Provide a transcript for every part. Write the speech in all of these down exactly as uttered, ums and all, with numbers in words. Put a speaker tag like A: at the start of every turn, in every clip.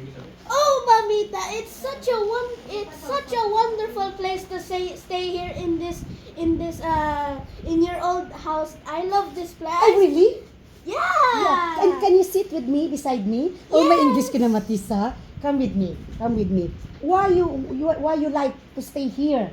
A: Oh, Mamita, it's such a one, it's such a wonderful place to say, stay here in this, in this, uh, in your old house. I love this place.
B: Ay, really?
A: Yeah.
B: Yeah. And can you sit with me, beside me? Oh, my
A: Yes.
B: English ka na, Matisa. Come with me. Come with me. Why you, you why you like to stay here?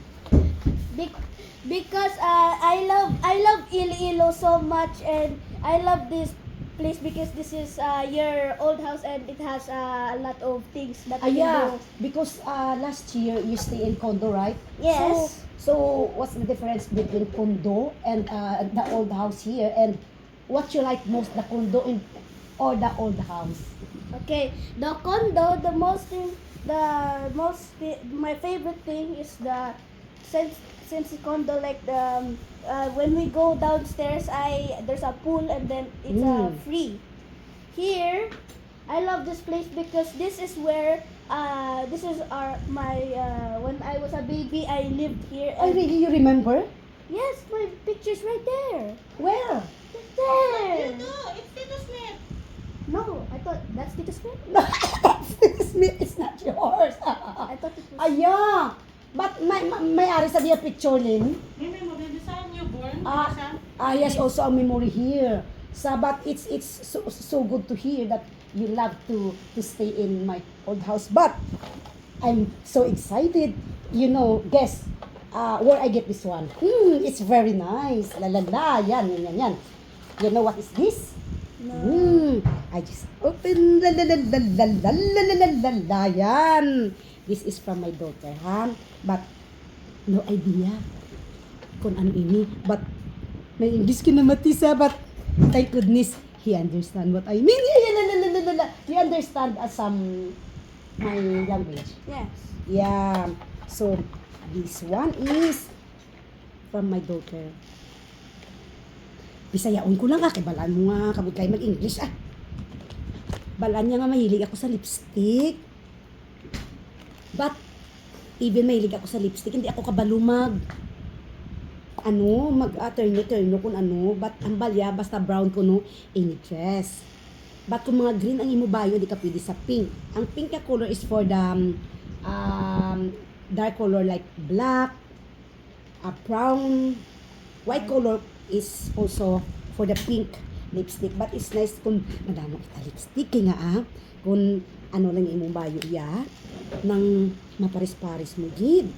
A: Be- because uh, I love, I love Iloilo so much, and I love this place because this is uh, your old house and it has uh, a lot of things that
B: Ah,
A: you
B: yeah.
A: can do.
B: Because uh, last year you stay in condo, right?
A: Yes.
B: So, so what's the difference between condo and uh, the old house here? And what you like most, the condo in or the old house?
A: Okay, the condo, the most thing, the most thi- my favorite thing is the since since the condo, like the um, uh, when we go downstairs, I there's a pool and then it's uh,
B: Mm.
A: free. Here, I love this place because this is where uh this is our my uh, when I was a baby I lived here.
B: Oh,
A: And
B: really? You remember?
A: yes, my picture's right there.
B: Where?
A: Right there.
C: It's Tito Smith.
A: No, I thought that's Tito Smith.
B: Smith, it's not yours.
A: I thought it was.
B: Ah, yeah. But may, may ari sa diya picture, Lin.
C: May may mabili sa newborn.
B: Ah, ah, yes, also a memory here. So, but it's it's so, so good to hear that you love to to stay in my old house. But I'm so excited. You know, guess uh, where I get this one. Hmm, it's very nice. La la la, yan, yan, yan, yan. You know what is this?
A: No.
B: Hmm, I just open la la la la la la la la la la la, yan. This is from my daughter, ha? But no idea kung ano ini. But may English ka na, Matisa, but thank goodness he understand what I mean. Yeah, yeah, la, la, la, la, la. He understand uh, some my language.
A: Yes.
B: Yeah. So this one is from my daughter. Bisayaon ko lang ah, kay balaan mo nga, kabog kayo mag-English ah. Balaan niya nga mahilig ako sa lipstick. But, even mahilig ako sa lipstick, hindi ako kabalumag. Ano, mag-turno-turno kung ano, but ang balya, basta brown ko no, any dress. But kung mga green ang imubayo, hindi ka pwede sa pink. Ang pink na color is for the um, um, dark color like black, a brown, white color is also for the pink lipstick. But it's nice kung madamo kita lipstick, kaya nga ah, kung ano lang yung imubayo iya, nang maparis-paris mo gid.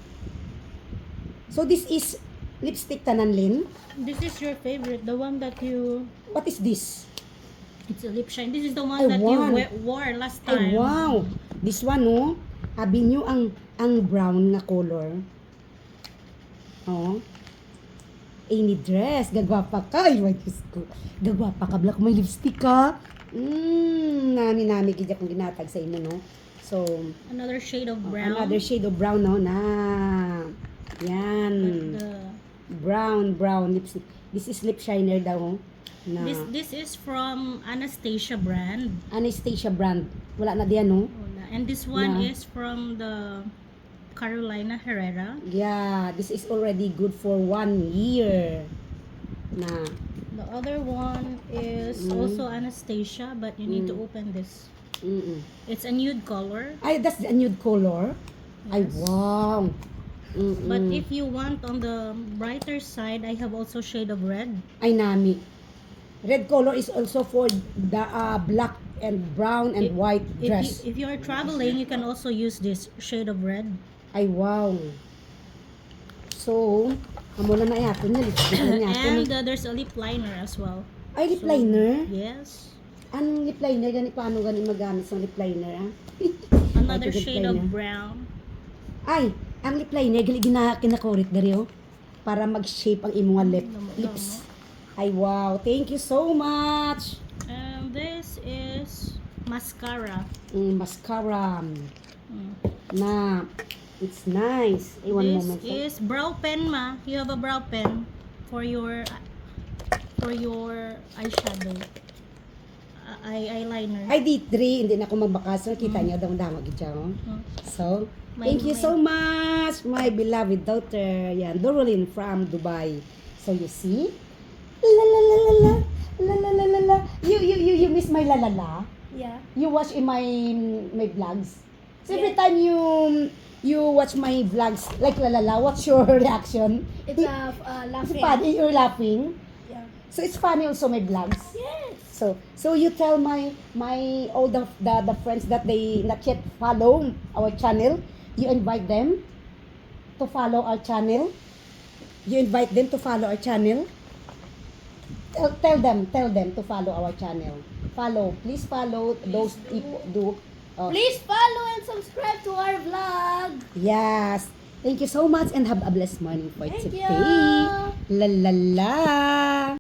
B: So this is lipstick tanan, Lin.
C: This is your favorite, the one that you.
B: What is this?
C: It's a lip shine. This is the one
B: Ay,
C: that
B: wow.
C: you we- wore last
B: Ay,
C: time.
B: wow! This one, no? Abi nyo ang, ang brown na color. Oh. Any dress. Gagwapa ka. Ay, my Diyos ko. Gagwapa ka. Black, may lipstick ka. Mmm, nami-nami kaya kung ginatag sa inyo, no? So,
C: Another shade of
B: oh,
C: brown.
B: another shade of brown, no? Na. Yan.
C: But the,
B: Brown, brown lipstick. This is lip shiner daw. Na.
C: this this is from Anastasia brand.
B: Anastasia brand. Wala na diyan, no?
C: Wala. And this one
B: Yeah.
C: is from the Carolina Herrera.
B: Yeah, this is already good for one year. Na.
C: The other one is
B: Mm.
C: also Anastasia, but you need to
B: Mm.
C: open this.
B: Mm-mm.
C: It's a nude color.
B: Ay, that's the nude color. Ay,
C: Yes.
B: wow. Mm-mm.
C: But if you want on the brighter side, I have also shade of red.
B: Ay, nami. Red color is also for the uh, black and brown and
C: If-
B: white
C: If you,
B: dress.
C: if you are traveling, you can also use this shade of red.
B: Ay, wow. So, amo na na yato niya. Lipstick na yato.
C: And uh, there's a lip liner as well.
B: Ay, lip
C: So,
B: liner?
C: Yes.
B: Anong lip liner? Gani, paano gani magamit sa lip liner, ah?
C: Another
B: Ay, lip
C: shade
B: liner.
C: of brown.
B: Ay, ang lip liner, gali gina, kinakorit dari, oh. Para mag-shape ang imong lip,
C: Lamo-
B: lips. Ay, wow. Thank you so much.
C: And this is mascara.
B: Mm, mascara.
C: Mm.
B: Na, it's nice. Ay, one
C: This
B: moment. sir.
C: is brow pen, ma. You have a brow pen for your for your eyeshadow. Uh, eye eyeliner.
B: Ay, di three. Hindi na ako magbakas. Kita niyo daw dama gid siya, oh.
C: Mm.
B: So,
C: My-
B: thank you
C: my-
B: so much, my beloved daughter. Yan, Dorolyn from Dubai. So, you see? La la la la la. La la la la la. You, you, you, you miss my la la la?
A: Yeah.
B: You watch in my my vlogs. So every
A: Yeah.
B: time you you watch my vlogs, like la la la, what's your reaction?
A: It's uh, uh
B: It's
A: laughing.
B: funny. You're laughing.
A: Yeah.
B: So it's funny also my vlogs.
A: Yes.
B: So so you tell my my all the, the the friends that they not yet follow our channel. You invite them to follow our channel. You invite them to follow our channel. Tell, tell them, tell them to follow our channel. Follow, please follow those people. Do uh,
A: Please follow and subscribe to our vlog.
B: yes. Thank you so much and have a blessed morning for
A: Thank
B: today.
A: you.
B: La la la.